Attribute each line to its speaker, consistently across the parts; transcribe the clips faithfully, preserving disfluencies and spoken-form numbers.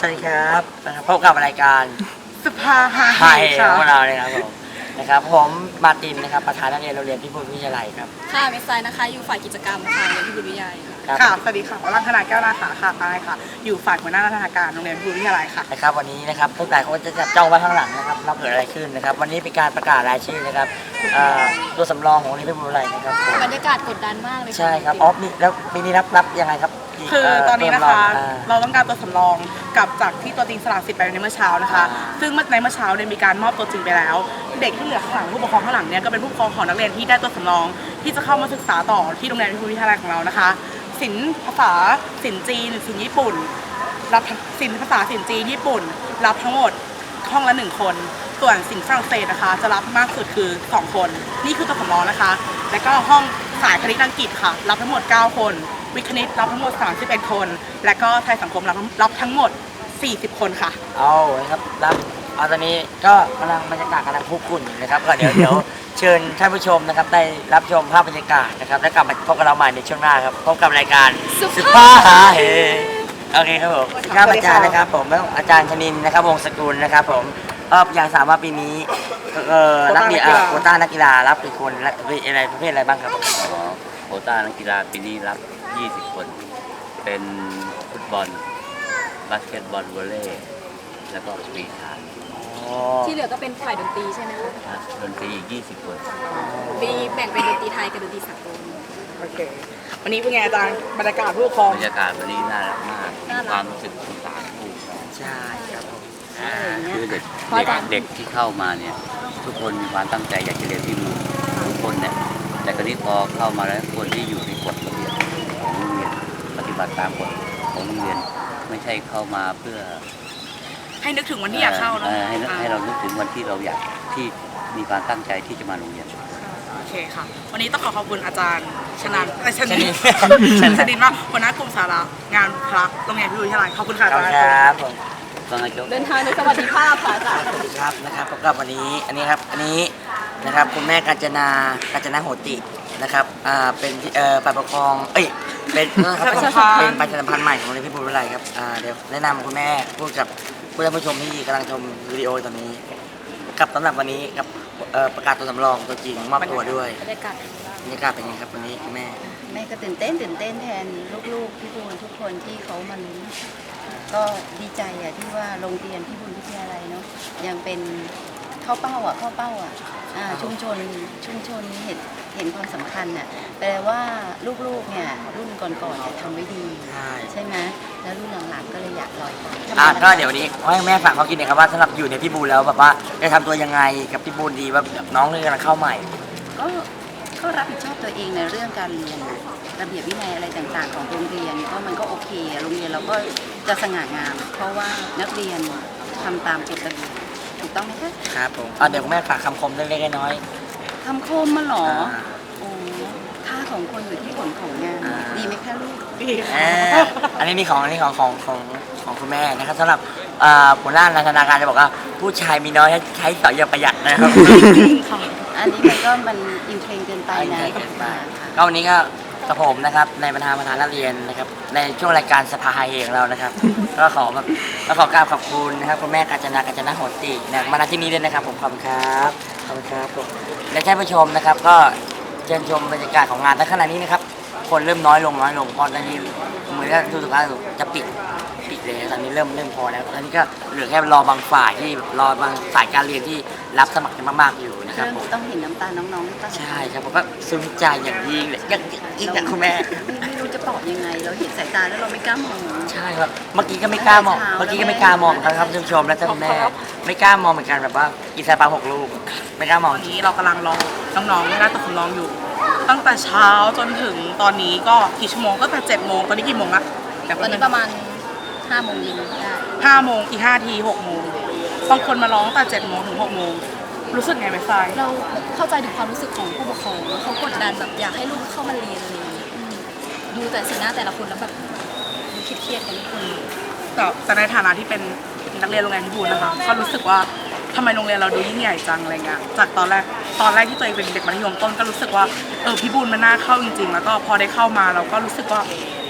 Speaker 1: สวัสดีครับพบกับรายการ
Speaker 2: สภาหา
Speaker 1: ไทยของเราเลยครับผมนะครับผมมาตินนะครับประธานนักเรียนโรงเรียนพิบูลวิทยาลัยครับ
Speaker 3: ค่ะเมสไซนะคะอยู่ฝ่ายกิจกรรมค่ะเรียนพิบูลวิทยาลัยค่ะ
Speaker 2: ค่ะสวัสดีค่ะวรัญธนาแก้วนาขาค่ะปายค่ะอยู่ฝ่ายหัวหน้าราชการโรงเรียนพิบูลวิทยาลัยค่ะ
Speaker 1: นะครับวันนี้นะครับทุกหลายคนจะจับจ้องไว้ข้างหลังนะครับเราเกิดอะไรขึ้นนะครับวันนี้เป็นการประกาศรายชื่อนะครับตัวสำรองของโรงเรียนพิบูลวิทยาลัยนะครับ
Speaker 3: บรรยากาศกดดันมากเลย
Speaker 1: ใช่ครับอ๋อมีแล้วปีนี้นับนับยังไงครับ
Speaker 2: คือตอนนี้นะคะเราต้องการตัวสำรองกับจากที่ตัวจริงสละสิทธิ์ไปในเมื่อเช้านะคะซึ่งในเมื่อเช้าเนี่ยมีการมอบตัวจริงไปแล้วเด็กที่เหลือข้างหลังผู้ปกครองข้างหลังเนี่ยก็เป็นผู้ปกครองของนักเรียนที่ได้ตัวสำรองที่จะเข้ามาศึกษาต่อที่โรงเรียนพิบูลวิทยาลัยของเรานะคะศิลป์ภาษาศิลป์จีนศิลป์ญี่ปุ่นรับศิลป์ภาษาศิลป์จีนญี่ปุ่นรับทั้งหมดห้องละหนึ่งคนส่วนศิลป์ฝรั่งเศสนะคะจะรับมากสุดคือสองคนนี่คือตัวสำรองนะคะแล้วก็ห้องสายคณิตอังกฤษค่ะรับทั้งหมดเก้าคนวิทย์คณิตรับทั้งหมดสามสิบเอ็ดคนและก็ไทยสังคมรับรับทั้งหมดสี่สิบคนค่ะ
Speaker 1: เอาครับรับเอาตอนนี้ก็กำลังบรรยากาศกำลังคุกคุ่นนะครับก็เดี๋ยวเดี๋ยวเชิญท่านผู้ชมนะครับได้รับชมภาพบรรยากาศนะครับแล้วกลับมาพบกับเราใหม่ในช่วงหน้าครับพบกับรายการสุภาพหาเฮโอเคครับผมครับอาจารย์นะครับผมอาจารย์ชนินนะครับวงศ์สกุลนะครับผมก็อย่างสามว่าปีนี้เอ่อนักเรียนโควต้านักกีฬารับกี่คนและอะไรประเภทอะไรบ้างครับ
Speaker 4: อ๋อโควต้านักกีฬาปีนี้รับยี่สิบคนเป็นฟุตบอลบาสเกตบอลวอลเลย์แล้วก็ปีชา
Speaker 3: ที่เหลือก็เป็นฝ่ายดนตรีใช่ไหมคะ
Speaker 4: ดนตรีอีกยี่สิบคน
Speaker 3: มีแบ่งเป็นดนตรีไทยกับดนตรีสากล
Speaker 2: โอเควันนี้เป็นไงอาจารย์บรรยากาศผู้ปกครอง
Speaker 4: บรรยากาศวันนี้น่ารักมากความรู้สึกของสารผู้
Speaker 1: ใช่ครับ
Speaker 4: คือเด็กเด็กที่เข้ามาเนี่ยทุกคนมีความตั้งใจอยากจะเรียนที่นู่นทุกคนเนี่ยแต่คราวนี้พอเข้ามาแล้วคนที่อยู่ในกฎระเบียบของโรงเรียนปฏิบัติตามกฎของโรงเรียนไม่ใช่เข้ามาเพื่อ
Speaker 2: ให้นึกถึงวันที่อยากเข้าเนาะ
Speaker 4: ให้ให้เรานึกถึงวันที่เราอยากที่มีความตั้งใจที่จะมาโรงเรียน
Speaker 2: โอเคค่ะวันนี้ต้องขอขอบคุณอาจารย์ชนันชนินชนินมากหัวหน้ากลุ่มสาระงานพระโรงเรียนพิบูลวิทยาลัยขอบคุณค่ะอาจารย์
Speaker 1: ครับผม
Speaker 3: เดินทางในสวัสดิภาพค่ะอาจารย์
Speaker 1: สวัสดีครับนะครับพบกับวันนี้อันนี้ครับอันนี้นะครับคุณแม่กาญจนากาญจนาโหตินะครับอ่าเป็นเอ่อฝ่ายปกครองเอ้ยเป็นเป็นประชาสัมพันธ์ใหม่ของโรงเรียนพิบูลวิทยาลัยครับอ่าเดี๋ยวแนะนำคุณแม่พูดกับผู้ชมที่กำลังชมวิดีโอตอนนี้กับสำหรับวันนี้กับประกาศตัวสำรองตัวจริงมอบตัวด้วย
Speaker 3: บรรยากาศ
Speaker 1: บรรยากาศเป็นยังไงครับวันนี้แม่
Speaker 5: แม่ก็ตื่นเต้นตื่นเต้นแทนลูกๆพี่บูลทุกคนที่เขามาลุ้นก็ดีใจอ่ะที่ว่าโรงเรียนพิบูลวิทยาลัยเนาะยังเป็นเข้าเป้าอ่ะเข้าเป้าอ่ะชุมชนชุมชนเห็นเห็นความสำคัญอ่ะแปลว่าลูกๆเนี่ยรุ่นก่อนๆจะทำไว้ดีใช่ไหมแล้วรุ่นหลังๆก็เลยอยากลอยตาม
Speaker 1: อ่ะก็เดี๋ยวนี้ให้แม่ฝากเขากินหน่อยครับว่าสำหรับอยู่ในพิบูลแล้วแบบว่าจะทำตัวยังไงกับพิบูลดีว่าน้องนี่กำลังเข้าใหม่
Speaker 5: ก็ก็รับผิดชอบตัวเองในเรื่องการเรียนระเบียบวินัยอะไรต่างๆของโรงเรียนก็มันก็โอเคโรงเรียนเราก็จะสง่างามเพราะว่านักเรียนทำตามกฎระเบียบถูกต้องไหมคะ
Speaker 1: ครับผมอ่ะเดี๋ยวแม่ฝากคำคมเล็กๆน้อย
Speaker 5: คำคมมาหรอโอ้ค่าของคนอยู่ที่ผลของงานดีไหมคะลูก
Speaker 2: ดี
Speaker 1: อันนี้นี่ของอันนี้ของของของของคุณแม่นะครับสำหรับหัวหน้าธนาคารจะบอกว่าผู้ชายมีน้อยใช้สอยอย่างประหยัดนะครับ
Speaker 5: อันนี้มันก็มันอินเทรนเกินไปนะ
Speaker 1: ก็วันนี้ก็กระผมนะครับในประธานประธานนักเรียนนะครับในช่วงรายการสภาไฮเของเรานะครับก็ขอแบบก็ขอกราบขอบคุณนะครับคุณแม่กาญจนากาญจนาโหตินะมาณที่นี้ด้วยนะครับผมขอบคุณครับขอบคุณครับผมและท่านผู้ชมนะครับก็เชิญชมบรรยากาศของงานในขณะนี้นะครับคนเริ่มน้อยลงน้อยลงเพราะตอนนี้เหมือนกับทุกท่านจะปิดปิดเลยตอนนี้เริ่มเริ่มพอแล้วตอนนี้ก็เหลือแค่รอบางฝ่ายที่รอบางสายการเรียนที่รับสมัครกันมากๆอยู่นะครับผม
Speaker 5: ต้องเห็นน้ำตาน้องๆ
Speaker 1: ใช่ครับผมก็ซึ้งใจอย่างยิ่งเลยอย่างยิ่งอย่างคุณแม่
Speaker 5: ไม่รู้จะตอบยังไงเราเห็นสายตาแล้วเราไม่กล้ามอง
Speaker 1: ใช่ครับเมื่อกี้ก็ไม่กล้ามองเมื่อกี้ก็ไม่กล้ามองครับท่านผู้ชมและท่านแม่ไม่กล้ามองเหมือนกันแบบว่ากินซาปาหกลูกไม่กล้ามอง
Speaker 2: ตอนนี้เรากำลังรอน้องๆได้ตัวสำรองอยู่ตั้งแต่เช้าจนถึงตอนนี้ก็กี่ชั่วโมงก็แต่เจ็ดโมงตอนนี้กี่โมงละ
Speaker 3: ตอนนี้ประมาณห้าโมงเย็นได้
Speaker 2: ห้าโมงอีกห้าทีหกโมงบางคนมาร้องแต่เจ็ดโมงถึงหกโมงรู้สึกไงไหมทราย
Speaker 3: เราเข้าใจถึงความรู้สึกของผู้ปกครองเขากดดันแบบอยากให้ลูกเข้ามาเรียนอะไรอย่างนี้ดูแต่สีหน้าแต่ละคนแล้วแบบเครียดๆกันทุกคน
Speaker 2: แต่ในฐานะที่เป็นนักเรียนโรงเรียนพิบูลนะคะก็รู้สึกว่าทำไมโรงเรียนเราดูยิ่งใหญ่จังอะไรเงี้ยจากตอนแรกตอนแรกที่ตัวเองเป็นเด็กมัธยมต้นก็รู้สึกว่าเออพิบูลมันน่าเข้าจริงๆแล้วก็พอได้เข้ามาเราก็รู้สึกว่า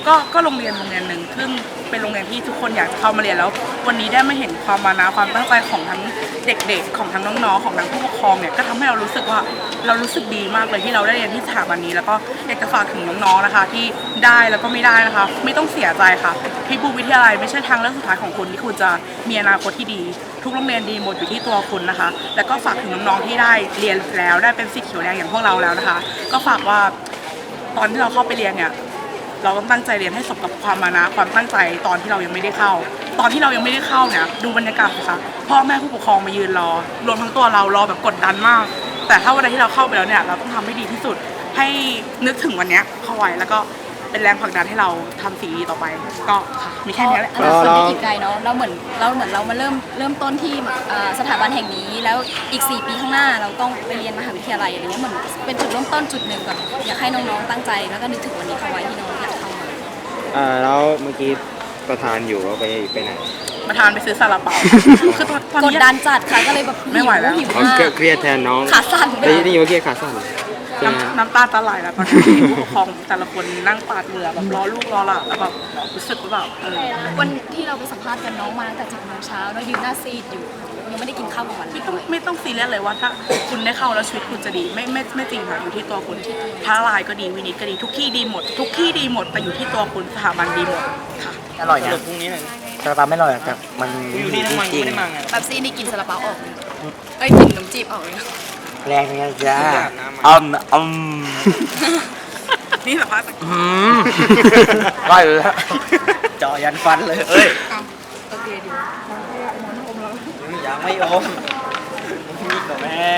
Speaker 2: ก็ก็โรงเรียนโรงเรียนหนึ่งซึ่งเป็นโรงเรียนที่ทุกคนอยากจะเข้ามาเรียนแล้ว วันนี้ได้มาเห็นความมานะความตั้งใจของทั้งเด็กๆของทั้งน้องๆของทั้งผู้ปกครองเนี่ยก็ทำให้เรารู้สึกว่าเรารู้สึกดีมากเลยที่เราได้เรียนที่สถาบันนี้แล้วก็อยากจะฝากถึงน้องๆนะคะที่ได้แล้วก็ไม่ได้นะคะไม่ต้องเสียใจค่ะพิบูลวิทยาลัยไม่ใช่ทางเลือกสุดท้ายของคุณที่คุณจะมีอนาคตที่ดีทุกโรงเรียนดีหมดอยู่ที่ตัวคุณนะคะแล้วก็ฝากถึงน้องๆที่ได้เรียนแล้วได้เป็นสิทธิ์เขียวแดงอย่างพวกเราแล้วนะคะก็ฝากว่าตอนที่เราเข้าไปเรียนเนี่ยเราต้องตั้งใจเรียนให้สมกับความมานะความตั้งใจตอนที่เรายังไม่ได้เข้า ตอนที่เรายังไม่ได้เข้าเนี่ยดูบรรยากาศสิคะพ่อแม่ผู้ปกครองมายืนรอรวมทั้งตัวเรารอแบบกดดันมาก แต่ถ้าวันใดที่เราเข้าไปแล้วเนี่ยเราต้องทำให้ดีที่สุดให้นึกถึงวันเนี้ยเข้าไว้แล้วก็เป็นแรงผลักดันให้เราทำสิ่งดีต่อไป ก็ค่ะมีแค่นี้แหละ
Speaker 3: อนาคตได้อีกไกลเนาะเราเหมือนเราเหมือนเรามาเริ่มเริ่มต้นที่อ่าสถาบันแห่งนี้แล้วอีกสี่ปีข้างหน้าเราต้องไปเรียนมหาวิทยาลัยอะไรเงี้ยเหมือนเป็นจุดเริ่มต้นจุดหนึ่งก่อนอยากให้น้องๆตั้งใจแล้วก็นึกถึงวันนี้เข้าไว้ที่น้องอยากเข้ามา
Speaker 6: อ่าแล้วเมื่อกี้ประธานอยู่ว่าไปไปไหน
Speaker 2: มาทานไปซื้อซาลาเปาคือตอนตอน
Speaker 3: กด
Speaker 2: นี้
Speaker 3: ดันจัดค่ะก็เลยแบบ
Speaker 2: ไม่ไหวแล้ว
Speaker 3: หิว
Speaker 6: อ๋อ
Speaker 3: มาก
Speaker 6: เครียดแทนน้อง
Speaker 3: ขาสั่นไป
Speaker 6: ได้ได้ยินว่าเครียดขาสั่นใช่ไหมฮะ
Speaker 2: น้ำน้ำตาจะไหลแล้วตอนที่ผู้ปกครองแต่ละคนนั่งปาดเหงื่อแบบรอลูกรอหลานแล้วแบบรู้สึกว่าแบบเออ
Speaker 3: วันที่เราไปสัมภาษณ์กันน้องมาตั้งแต่เจ็ดโมงเช้าแล้วยืนหน้าซีดอยู่ยังไม่ได้กินข้าวกลางวันเล
Speaker 2: ไม่
Speaker 3: ย
Speaker 2: ต้องไม่ต้องซีเรียสเลยว่าถ้าคุณได้เข้าแล้วชีวิตคุณจะดีไม่ไม่ไม่จริงค่ะอยู่ที่ตัวคุณท้าลายก็ดีวินิจก็ดีทุกที่ดีหมด ทุกที่ดีหมดแต่อยู่ที่ตัวคุณสถาบันดีหมดค่ะ
Speaker 1: อร่อยนะซาลาเปาไม่อร่อยแต่มันอยู่นี่ทั้งวันจริง
Speaker 3: แบบซีนี่กินซาลาเปาออกเลยเอ้ยกินขนมจีบออกเลย
Speaker 1: แรงไงจ้าอืมอืม
Speaker 2: นี่สัมภาษณ์
Speaker 1: อืมได้เลยฮะจ่อยันฟันเลยเอ้ย
Speaker 2: โอเคดี
Speaker 1: ยังไม่อมมีกับแม่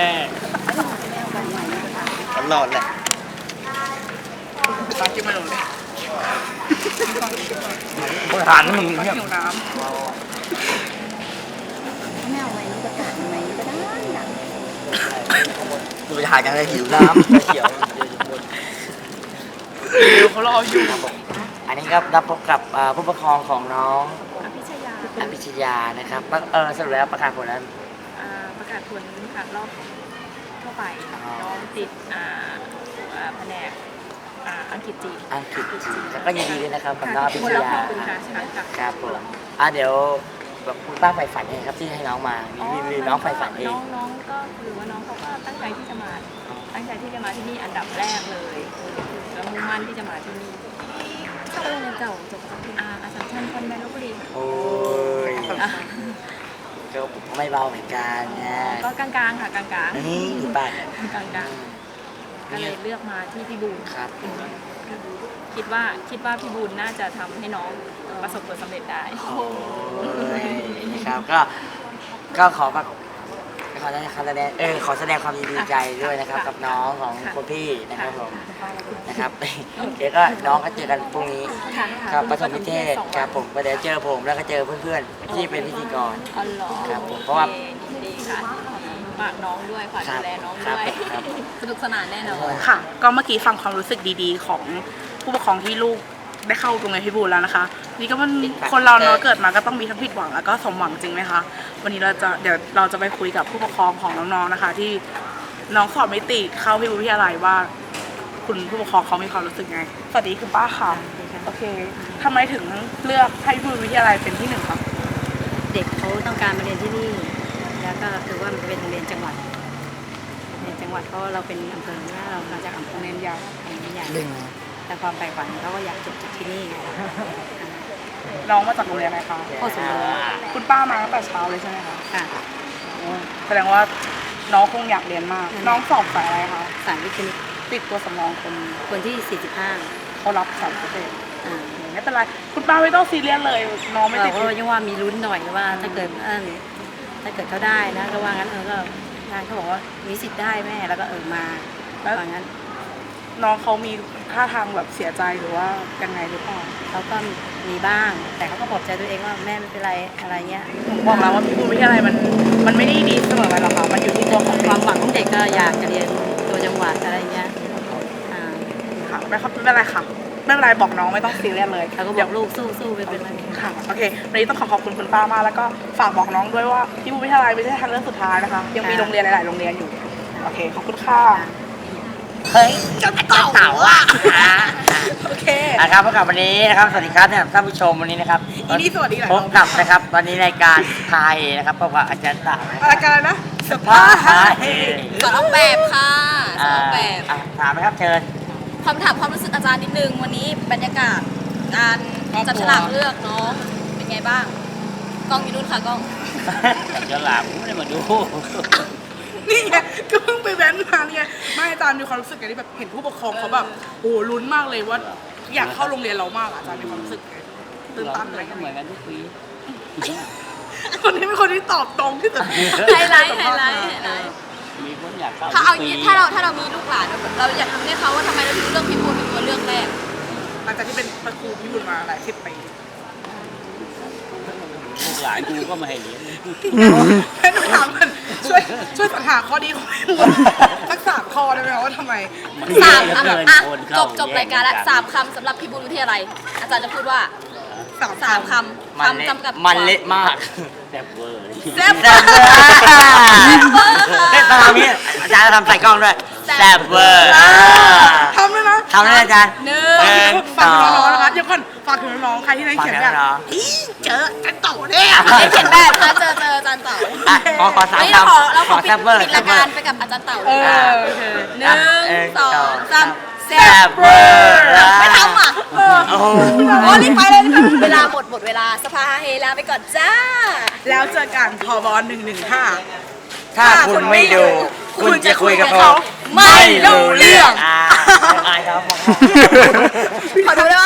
Speaker 1: ตลอดแหละ
Speaker 2: ตอนกินมาหนูเลย
Speaker 1: มึงหันมึง
Speaker 2: หิวน้
Speaker 5: ไม่เอาไว้นี่ประกาศไว้ก็ได้นะ
Speaker 1: ดูไปหากันเลยหิวน้ำเขียว
Speaker 2: ำเดี๋ยวเขารออยู่
Speaker 1: อันนี้ครับรับพบกับอ่าผู้ปกครองของน้อง
Speaker 7: อภิชยา
Speaker 1: อภิชยานะครับเออสรุปแล้วประกาศผลแล้ว
Speaker 7: อ่าประกาศผลผ่านรอบทั่วไป
Speaker 1: อ๋อ
Speaker 7: น้องติดอ่าอ่าแผนกอ่าอังกฤษจีน
Speaker 1: อังกฤษแล้วก็ยินดีด้วยนะครับกับน้องอภิช
Speaker 7: คนละ
Speaker 1: ยา
Speaker 7: ขอบคุณค่ะใช่ค่ะ
Speaker 1: ครับผมอ่ะเดี๋ยวแบบคุณป้าใฝ่ฝันเองครับที่ให้น้องมามีมีน้องใฝ่ฝันเอง
Speaker 7: น้องน้องก็คือว่าน้องเขาก็ตั้งใจที่จะมา ตั้งใจที่จะมาที่นี่อันดับแรกเลยแล้วมุ่งมั่นที่จะมาที่นี่เข้าโรงเรียนเก่าจบจากที่อาอาสาชันคอนแวนลพบุรี
Speaker 1: โอ้ย
Speaker 7: อ่ะ
Speaker 1: ก็ไม่เบาเหมือนกันนะ
Speaker 7: ก็กลางๆค่ะกลางๆ
Speaker 1: นี่ป้าก
Speaker 7: ลางๆก็เลยเลือกมาที่พี่บูล
Speaker 1: ครับ
Speaker 7: คิดว่าคิดว่าพี่บุญน่าจะทำให้น้องประสบผลสำเร็จได้
Speaker 1: โอ้ยนะครับก็ก็ขอแบบขอแสดงขอแสดงเออขอแสดงความยินดีใจด้วยนะครับ กับน้องของคุณพี่นะครับผมนะครับเดี๋ยวก็น้องก็เจอกันพรุ่งนี้
Speaker 7: ค่ะ
Speaker 1: ครับประถมนิเทศครับผมก็เดี๋ยวเจอผมแล้วก็เจอเพื่อนๆที่เป็นพิธีกร
Speaker 7: อ๋อเหรอ
Speaker 1: ครับผมเพราะว่า
Speaker 7: โอคยินดีค่ะฝากน้องด้วยฝาก
Speaker 1: ครั
Speaker 7: ดู
Speaker 1: บ
Speaker 7: แลน้อง
Speaker 1: ครั
Speaker 7: ด้
Speaker 1: บ
Speaker 7: วย
Speaker 1: ครับ
Speaker 3: สนุกสนานแน่นอน
Speaker 2: ค่ะ ก็เมื่อกี้ฟังความรู้สึกดีๆ ของผู้ปกครองที่ลูกได้เข้าโรงเรียนพิบูลแล้วนะคะ นี่ก็มันคนเราเนาะเกิดมาก็ต้องมีทั้งผิดหวังแล้วก็สมหวังจริงไหมคะวันนี้เราจะเดี๋ยวเราจะไปคุยกับผู้ปกครองของน้องๆนะคะ ที่น้องสอบไม่ติดเข้าพิบูลวิทยาลัยว่า คุณผู้ปกครองเขามีความรู้สึกไงสวัสดีคุณป้าค่ะโอเคทำไมถึงเลือกให้พิบูลวิทยาลัยเป็นที่หนึ่งคะ
Speaker 8: เด็กเขาต้องการมาเรียนที่นี่ แล้วก็คือว่ามันเป็นโรงเรียนจังหวัดโรงเรียนจังหวัดเพราะเราเป็นอำเภอเนี่ยเรามาจากอำเภอ
Speaker 2: เรียนยาว
Speaker 8: เรียนใหญ่
Speaker 1: ดึง
Speaker 8: แต่ความใฝ่ฝันเขาก็อยากจบจากที่นี่ไง
Speaker 2: น้องมาจากโรงเรียนอะไรคะ
Speaker 8: โคตรสมบูรณ์
Speaker 2: คุณป้ามาตั้งแต่เช้าเลยใช่ไหมคะ
Speaker 8: ค่ะ
Speaker 2: แสดงว่าน้องคงอยากเรียนมาก น้องสอบสายอะไรคะ
Speaker 8: สารวิทย์คณิต
Speaker 2: ติดตัวสำรองคน
Speaker 8: คนที่สี่สิบห้า
Speaker 2: เขารับสามเปอร์เซ็นต์
Speaker 8: อ่า
Speaker 2: ไม่เป็นไรคุณป้าไม่ต้องซีเรียสเลยน้องไม่
Speaker 8: เรา
Speaker 2: ติด
Speaker 8: ก็ยังว่ามีลุ้นหน่อยว่าถ้าเกิดเออถ้าเกิดเขาได้นะก็ว่างั้นเออก็งานเขาบอกว่ามีสิทธิ์ได้แม่แล้วก็เออมาว่างั้น
Speaker 2: น้องเขามีท่าทางแบบเสียใจหรือว่ายังไงหรือเปล่า
Speaker 8: เขาก็มีบ้าง แต่เขาก็ปลอบใจตัวเองว่าแม่ไม่เป็นไรอะไรเงี้ย
Speaker 2: ผมบอกแล้วว่าพี่บูลวิทยาลัยมันมันไม่ได้ดีเสมอไปหรอกค่ะมันอยู่ที่ตัวของ
Speaker 8: ความหวังของเด็กก็อยากจะเรียนตัวจังหวัดอะไรเงี้ยอ่า
Speaker 2: ค่ะไม่ครับไม่เป็นไรค่ะไม่เป็นไรบอกน้องไม่ต้องซีเรียสเลย
Speaker 8: เขาก็บ
Speaker 2: เดี๋
Speaker 8: อย ก
Speaker 2: ว
Speaker 8: ลูกสู้สู้ไปเป็นไร
Speaker 2: ค่ะโอเควันนี้ต้องขอขอบคุณคุณป้ามากแล้วก็ฝากบอกน้องด้วยว่าพี่บูลวิทยาลัยไม่ใช่ทางเลือกสุดท้ายนะคะยังมีโรงเรียนหลายๆโรงเรียนอยู่โอเคขอบคุณค่ะ
Speaker 1: เฮ้ยเจ้าเต่าอ่ะ
Speaker 2: โอเคเค
Speaker 1: นะครับพบกับวันนี้นะครับสวัสดีครับท่านผู้ชมวันนี้นะครับ
Speaker 2: อีนี่สวัสดีหลาย
Speaker 1: พ
Speaker 2: ร
Speaker 1: บ
Speaker 2: อบ
Speaker 1: กับนะครับวันนี้รายการไทยนะครับพบกับอาจารย์ต่าง
Speaker 2: รายการนะส
Speaker 1: พา
Speaker 2: ภา
Speaker 1: ไทย
Speaker 3: สอนออกแบบค่ะสอนออกแบบ
Speaker 1: อ่าถามไหมครับเชิญ
Speaker 3: ความถามความรู้สึกอาจารย์นิดนึงวันนี้บรรยากาศการจับฉลากเลือกน้องเป็นไงบ้างกล้องอยู่นู่นค่ะกล้อง
Speaker 4: จะหลาบไม่ได้มาดู
Speaker 2: นี่ไงก็เพิ่งไปแว้นมาเนี่ยไม่อาจารย์มีความรู้สึกไงที่แบบเห็นผู้ปกครองเขาแบบโอ้ลุ้นมากเลยว่า อยากเข้าโรงเรียนเรามากอะอาจารย์มีความรู้สึกไงตื่นตันอะไรกัน
Speaker 4: เหมือนกันทุกปี
Speaker 2: คนนี้เป็นคนที่ตอบตรงที่สุด
Speaker 3: ไฮไลท์ไฮไลท์ไฮไลท์
Speaker 4: มีคนอยากเข้า
Speaker 3: ถ้าเอา
Speaker 4: ทุกปี
Speaker 3: ถ้าเราถ้าเรามีลูกหลานเราอยากทำให้เขาว่าทำไมเราถึงเลือกพี่บูลเป็นตัวเลือกแรก
Speaker 2: หลังจากที่เป็นครูพิบูลมาหลายสิบปี
Speaker 4: ลูกหลานกูก็ไม่ให้เลี้ยง
Speaker 2: แค่ถามมันช่วยช่วยสรรหาข้อดีของพี่บูลสักสามข้อได้ไหมคะว่าทำไม
Speaker 3: สามคำอ่ะจบจบรายการแล้วสามคำสำหรับพี่บูลวิทยาลัยอาจารย์จะพูดว่า
Speaker 2: สาม
Speaker 3: สามค
Speaker 1: มัน
Speaker 3: ำ
Speaker 1: เละ
Speaker 3: คำจำกับ
Speaker 1: มันเละมาก
Speaker 4: แซ่บเวอร์
Speaker 3: แซ่บ
Speaker 1: แซ่บเวอร์เฮ้ยตอนทำนี้อาจารย์ทำใส่กล้องด้วยแซ่บเวอร์
Speaker 2: ทำเลยนะ
Speaker 1: ทำเลยอาจารย์
Speaker 3: หนึ่
Speaker 1: หนึ่
Speaker 3: ง
Speaker 1: ง
Speaker 2: ฝากถึงน้องๆนะคะเดี๋ยวก่อนฝากถึงน้องๆใครที่ได้เขียนแบบ
Speaker 1: ฝากถึงน้อง
Speaker 2: อีเจอจันโตเนี่ย
Speaker 3: ไม่เขียนแบบนะเจอเจออาจารย์เต๋า
Speaker 1: อ่ะขอขอสาม
Speaker 3: นี่เรา
Speaker 1: คำ
Speaker 3: ขอเราขอ
Speaker 1: แซ่บเวอร์
Speaker 3: ปิด
Speaker 1: แซ่
Speaker 3: รา
Speaker 1: บเวย
Speaker 3: กา
Speaker 1: อ
Speaker 3: ร
Speaker 1: ร์
Speaker 3: ไปกับอาจารย์เต๋า
Speaker 2: เอ
Speaker 3: เลย
Speaker 2: อโอเค
Speaker 3: หนึ่ง
Speaker 1: เออ
Speaker 3: สองสาม
Speaker 1: แซ่บเวอร์
Speaker 3: ไม่ทำอ่ะ
Speaker 1: โอ้โห
Speaker 3: โอ้รีบไปเลยรีบไปเวลาหมดหมดเวลาสภาเฮลาไปก่อนจ้า
Speaker 2: แล้วเจอกันพอบอลหนึ่งหนึ่งห้า
Speaker 1: ถ้าคุณไม่ดู คุณจะคุยกับเขา
Speaker 3: ไม่รู้เรื่อง
Speaker 1: อ่าอายเขาบอก
Speaker 3: ขอดูได้ปะ